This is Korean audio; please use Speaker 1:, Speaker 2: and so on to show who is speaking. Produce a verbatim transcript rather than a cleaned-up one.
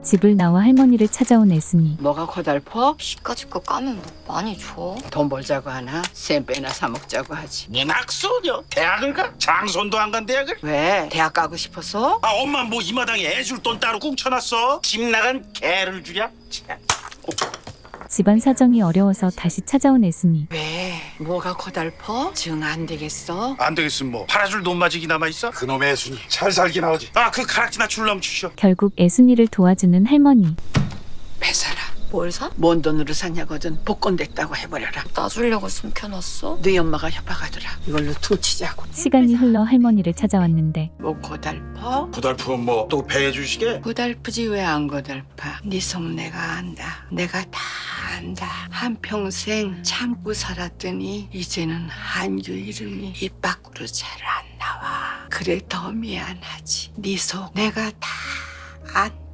Speaker 1: 집을 나와 할머니를 찾아온 애순이.
Speaker 2: 뭐가 고달퍼?
Speaker 3: 이까짓 거 까면 뭐 많이 줘?
Speaker 2: 돈 벌자고 하나? 쌤빼나 사 먹자고 하지.
Speaker 4: 문학소녀 대학을 가? 장손도 안 간 대학을?
Speaker 2: 왜? 대학 가고 싶어서?
Speaker 4: 아 엄마 뭐 이 마당에 애 줄 돈 따로 꿍쳐놨어? 집 나간 개를 주랴? 참.
Speaker 1: 집안 사정이 어려워서 다시 찾아온 애순이.
Speaker 2: 왜? 뭐가 고달퍼? 정 안 되겠어?
Speaker 4: 안 되겠으면 뭐 팔아줄 돈 마직이 남아있어? 그놈의 애순이 잘 살긴 하지. 아 그 가락지나 줄넘 주셔.
Speaker 1: 결국 애순이를 도와주는 할머니.
Speaker 2: 배사라.
Speaker 3: 뭘 사?
Speaker 2: 뭔 돈으로 사냐거든. 복권 됐다고 해버려라.
Speaker 3: 놔주려고 숨겨놨어?
Speaker 2: 네 엄마가 협박하더라. 이걸로 퉁치자고.
Speaker 1: 시간이 흘러 할머니를 찾아왔는데
Speaker 2: 뭐 고달퍼?
Speaker 4: 고달프면 뭐 또 배해 주시게?
Speaker 2: 고달프지 왜 안 고달파? 네 속 내가 안다. 내가 다 안다. 한평생 참고 살았더니 이제는 한규 이름이 입 밖으로 잘 안 나와. 그래 더 미안하지. 네 속 내가 다 안다.